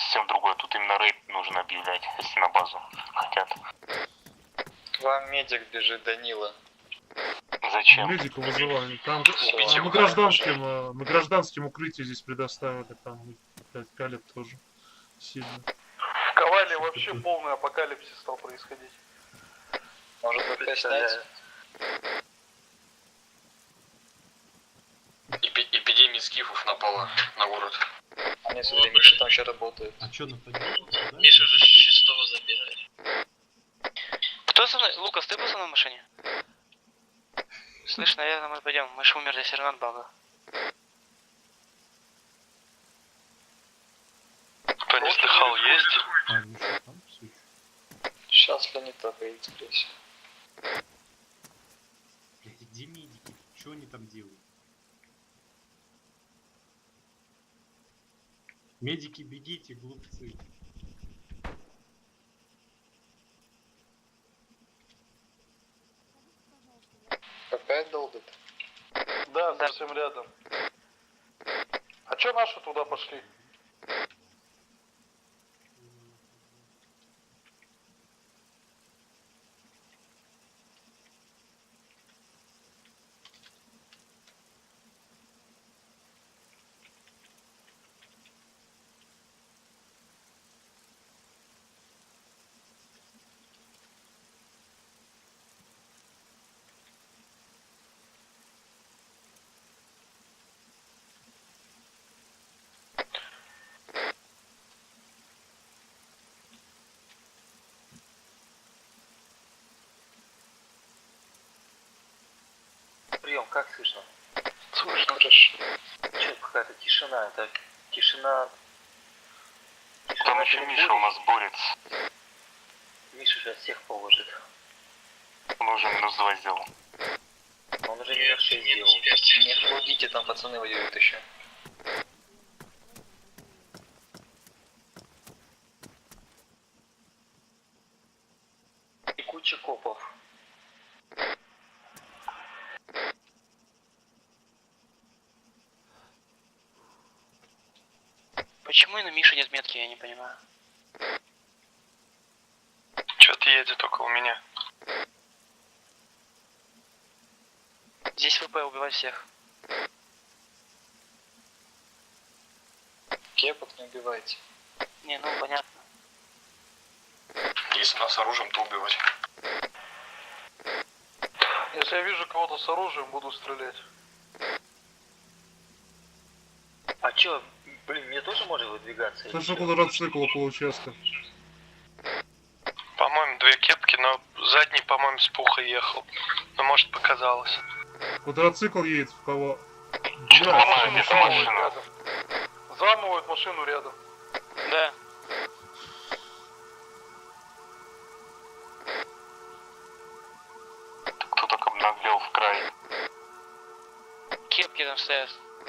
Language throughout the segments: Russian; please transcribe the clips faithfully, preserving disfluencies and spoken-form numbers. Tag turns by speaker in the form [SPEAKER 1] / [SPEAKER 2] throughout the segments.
[SPEAKER 1] совсем другое. Тут именно рейд нужно объявлять, если на базу хотят.
[SPEAKER 2] К вам медик бежит, Данила.
[SPEAKER 1] Зачем?
[SPEAKER 3] Медика вызывали. Там, а, мы гражданским, мы гражданским укрытие здесь предоставили, там, блядь, калят тоже сильно.
[SPEAKER 4] В Ковале вообще полный апокалипсис стал происходить.
[SPEAKER 2] Может быть, снять?
[SPEAKER 5] Эпи эпидемия скифов напала на город.
[SPEAKER 2] Они смотри, Миша там еще работает.
[SPEAKER 6] А чё нападение?
[SPEAKER 5] Миша же шестого забирает.
[SPEAKER 7] Кто со мной? Лукас, ты был со мной в машине? Слышь, наверное, мы пойдем. Мы же умерли все равно от бага.
[SPEAKER 5] Кто не слыхал, есть?
[SPEAKER 6] А, Миша там все еще?
[SPEAKER 2] Сейчас планета выйдет, скорее всего.
[SPEAKER 6] Блядь, где медики? Что они там делают? Медики, бегите, глупцы.
[SPEAKER 2] Опять долбит?
[SPEAKER 4] Да, совсем рядом. А чё наши туда пошли?
[SPEAKER 7] Прием, как слышно?
[SPEAKER 4] Слышно, хорошо.
[SPEAKER 7] Че, какая-то тишина, это тишина...
[SPEAKER 1] Там еще Миша у нас борется.
[SPEAKER 7] Миша сейчас всех положит.
[SPEAKER 1] Он уже минус два сделал.
[SPEAKER 7] Он уже минус шесть сделал.
[SPEAKER 2] Не ходите, там пацаны воюют еще.
[SPEAKER 7] И куча копов. Почему и на Мише нет метки, я не понимаю.
[SPEAKER 5] Чё-то едет только у меня.
[SPEAKER 7] Здесь ВП убивать всех.
[SPEAKER 2] Кепок не убивайте.
[SPEAKER 7] Не, ну понятно.
[SPEAKER 5] Если нас оружием, то убивать.
[SPEAKER 4] Если я вижу кого-то с оружием, буду стрелять.
[SPEAKER 7] А чё, блин, мне тоже можно выдвигаться? или
[SPEAKER 3] Слышал
[SPEAKER 7] чё?
[SPEAKER 3] квадроцикл около участка.
[SPEAKER 5] По-моему, две кепки, но задний, по-моему, с пуха ехал. Но может показалось.
[SPEAKER 3] Квадроцикл едет в кого?
[SPEAKER 1] Чё-то
[SPEAKER 3] Да,
[SPEAKER 1] ломаю, без машины.
[SPEAKER 4] Рядом. Замывают машину рядом.
[SPEAKER 7] Да.
[SPEAKER 1] Кто так обнаглел в край?
[SPEAKER 7] Кепки там стоят.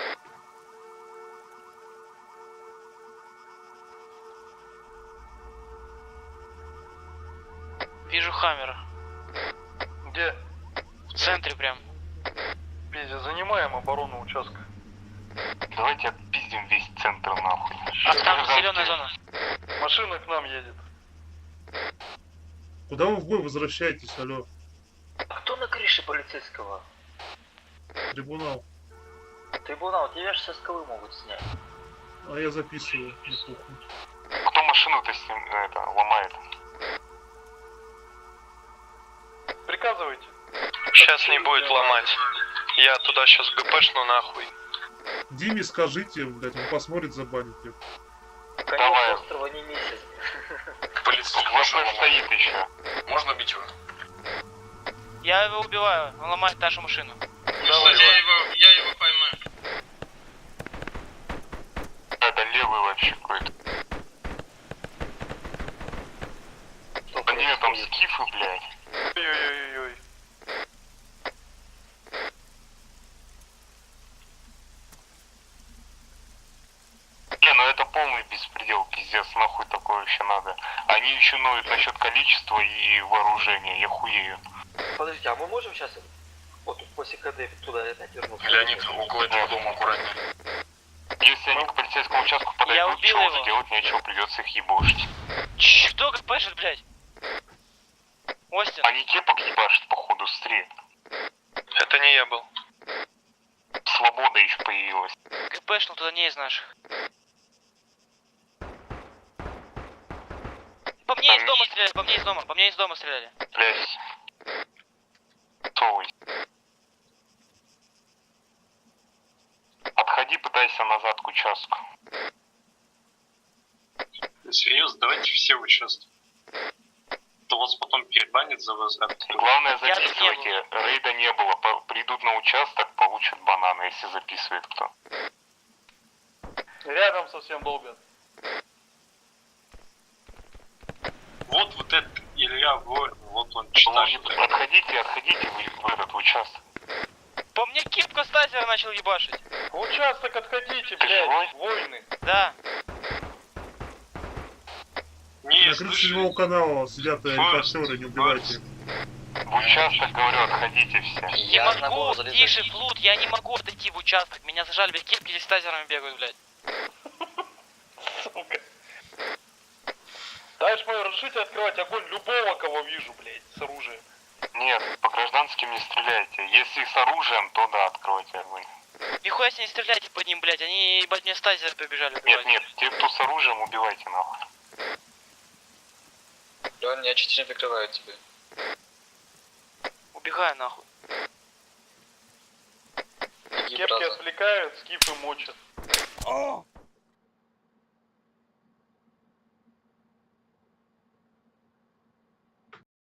[SPEAKER 7] Вижу Хаммера.
[SPEAKER 4] Где?
[SPEAKER 7] В центре прям.
[SPEAKER 4] Пиздец, занимаем оборону участка.
[SPEAKER 1] Давайте отпиздим весь центр нахуй.
[SPEAKER 7] А там зеленая зона.
[SPEAKER 4] Машина к нам едет.
[SPEAKER 3] Куда вы в бой возвращаетесь, алло?
[SPEAKER 7] А кто на крыше полицейского?
[SPEAKER 3] Трибунал.
[SPEAKER 7] Трибунал, тебя же со скалы могут снять.
[SPEAKER 3] А я записываю, не похуй.
[SPEAKER 1] Кто машину-то с ним, это, ломает?
[SPEAKER 4] Приказывайте.
[SPEAKER 5] Сейчас не будет ломать. Я туда сейчас ГПшну нахуй.
[SPEAKER 3] Диме скажите, блядь, он посмотрит, забанит ее.
[SPEAKER 1] Давай.
[SPEAKER 7] Конец острова не месяц.
[SPEAKER 5] Полицейский
[SPEAKER 1] Вот стоит еще.
[SPEAKER 5] Можно бить его?
[SPEAKER 7] Я его убиваю, он ломает нашу машину.
[SPEAKER 4] Давай,
[SPEAKER 5] я его, я его поймаю.
[SPEAKER 1] Это левый вообще какой-то. Да нет, там скифы, блядь.
[SPEAKER 4] Ой-ой-ой-ой.
[SPEAKER 1] Не, ну это полный беспредел, пиздец, нахуй такое вообще надо. Они еще ноют насчет количества и вооружения, я хуею.
[SPEAKER 7] Подождите, а мы можем сейчас вот после КД туда опять вернуться?
[SPEAKER 5] Леонид, около этого дома аккуратнее.
[SPEAKER 1] Если они к полицейскому участку подойдут,
[SPEAKER 8] убил
[SPEAKER 1] чего
[SPEAKER 8] его.
[SPEAKER 1] уже делать нечего, придется их ебошить.
[SPEAKER 8] Чш, кто как пашет, блядь? Остин.
[SPEAKER 1] Они кепок ебашат, походу, стрель.
[SPEAKER 5] Это не я был.
[SPEAKER 1] Свобода еще появилась.
[SPEAKER 8] КПшнул туда не из наших. По мне из дома стреляли, по мне из дома, по мне из дома стреляли.
[SPEAKER 1] Блять. Совый. Отходи, пытайся назад к участку.
[SPEAKER 9] Серьезно, давайте все участвуем. То вас потом перебанят за возврат.
[SPEAKER 1] Главное,
[SPEAKER 8] Я тут не
[SPEAKER 1] записывайте. Рейда не было. По- Придут на участок, получат бананы, если записывает кто.
[SPEAKER 4] Рядом совсем долго.
[SPEAKER 9] Вот вот этот Илья Воин, вот он
[SPEAKER 1] Положи-
[SPEAKER 9] читает.
[SPEAKER 1] Отходите, отходите вы в этот в участок.
[SPEAKER 8] По мне кипка стазера начал ебашить.
[SPEAKER 4] В участок отходите,
[SPEAKER 1] Ты живой?
[SPEAKER 4] блядь, войны.
[SPEAKER 8] Да.
[SPEAKER 9] Не,
[SPEAKER 3] На крыше седьмого канала сидят
[SPEAKER 9] Форст,
[SPEAKER 3] репортеры, не убивайте их.
[SPEAKER 1] В участок, говорю, отходите все.
[SPEAKER 8] Не
[SPEAKER 2] Я на
[SPEAKER 8] могу,
[SPEAKER 2] голову залезать.
[SPEAKER 8] тише, флут, я не могу отойти в участок. Меня зажали, без кепки здесь с тазерами бегают, блядь.
[SPEAKER 4] Сука. Дальше мое разрешите открывать огонь любого, кого вижу, блядь, с оружием.
[SPEAKER 1] Нет, по гражданским не стреляйте. Если с оружием, то да, откройте огонь.
[SPEAKER 8] Нихуя себе не стреляйте по ним, блядь, они, ебать, мне с тазера побежали
[SPEAKER 1] Нет,
[SPEAKER 8] убивать.
[SPEAKER 1] нет, те, кто с оружием, убивайте нахуй.
[SPEAKER 2] Лёнь, я чуть не прикрываю тебя.
[SPEAKER 8] Убегаю нахуй.
[SPEAKER 2] Беги,
[SPEAKER 4] Кепки
[SPEAKER 2] браза.
[SPEAKER 4] отвлекают, скифы мочат.